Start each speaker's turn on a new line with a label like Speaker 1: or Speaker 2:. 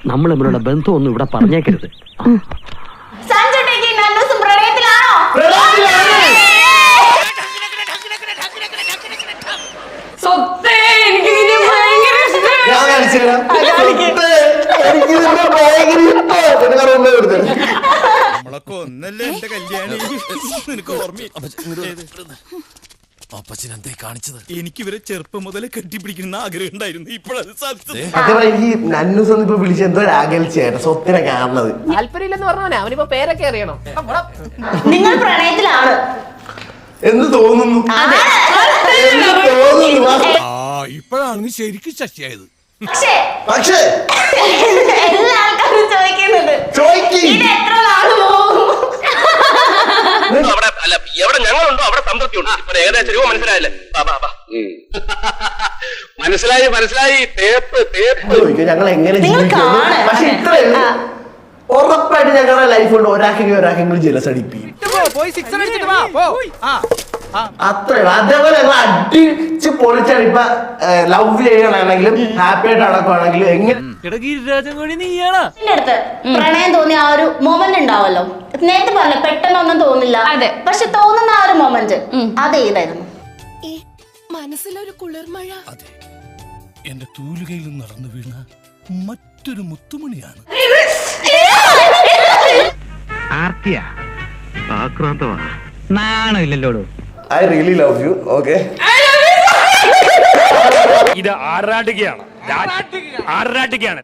Speaker 1: നമ്മൾ തമ്മിലുള്ള ബന്ധമൊന്നും ഇവിടെ പറഞ്ഞേക്കരുത്.
Speaker 2: നമ്മളൊക്കെ ഒന്നല്ലേ എന്റെ കല്യാണി.
Speaker 3: അപ്പച്ചനെന്തേ കാണിച്ചത്?
Speaker 2: എനിക്ക് ഇവരെ ചെറുപ്പം മുതലേ കെട്ടിപ്പിടിക്കുന്ന ആഗ്രഹം ഉണ്ടായിരുന്നു. ഇപ്പോഴത് സാധിച്ചത്.
Speaker 4: ഇപ്പൊ വിളിച്ചെന്തോ അകൽച്ചയായിട്ട് സ്വത്തിനെ കാണുന്നത്
Speaker 5: താല്പര്യമില്ലെന്ന് പറഞ്ഞവനെ അവനിപ്പോ പേരൊക്കെ അറിയണം.
Speaker 6: നിങ്ങൾ പ്രണയത്തിലാണ്
Speaker 4: എന്ന് തോന്നുന്നു.
Speaker 3: ഇപ്പോഴാണ് നീ ശരിക്കും ശശിയായത്.
Speaker 4: പക്ഷേ
Speaker 6: എല്ലാ ആൾക്കാരും ചോദിക്കുന്നുണ്ട് ഇത് എത്ര നാള് പോകും.
Speaker 1: എവിടെ ഞങ്ങളുണ്ടോ അവിടെ സംതൃപ്തി ഉണ്ട്. ഇപ്പൊ ഏകദേശം രൂപ മനസ്സിലായില്ലേ? മനസ്സിലായി. തേപ്പ്
Speaker 4: ഞങ്ങൾ എങ്ങനെ ജീവിക്കും? പക്ഷെ ഇത്രയല്ല, ഉറപ്പായിട്ട് ഞങ്ങളുടെ ലൈഫ് കൊണ്ട് ഒരാൾക്കെങ്കിലും ജലസ് അടിപ്പിക്കും. അത്രയുള്ളൂ. അതേപോലെ ഞങ്ങൾ അടിച്ച് പൊളിച്ചാണ്. ഇപ്പൊ ലവ് ചെയ്യണമെങ്കിലും ഹാപ്പി ആയിട്ട് നടക്കുവാണെങ്കിലും എങ്ങനെ
Speaker 6: അടുത്ത് പ്രണയം തോന്നിയ ആ ഒരു മൊമെന്റ് ഉണ്ടാവല്ലോ. നേരത്തെ പറഞ്ഞ പെട്ടെന്നൊന്നും തോന്നില്ല, പക്ഷെ തോന്നുന്ന ആ ഒരു മൊമെന്റ് അതേതായിരുന്നു?
Speaker 5: മനസ്സിലൊരു കുളിർമഴ.
Speaker 3: അതെ, എന്റെ തൂലുകയിൽ നടന്നു വീണ മറ്റൊരു മുത്തുമണിയാണ്.
Speaker 1: നാണമില്ലല്ലോ.
Speaker 4: I really love you. Okay,
Speaker 1: ഇത് ആറാട്ടുകയാണ്.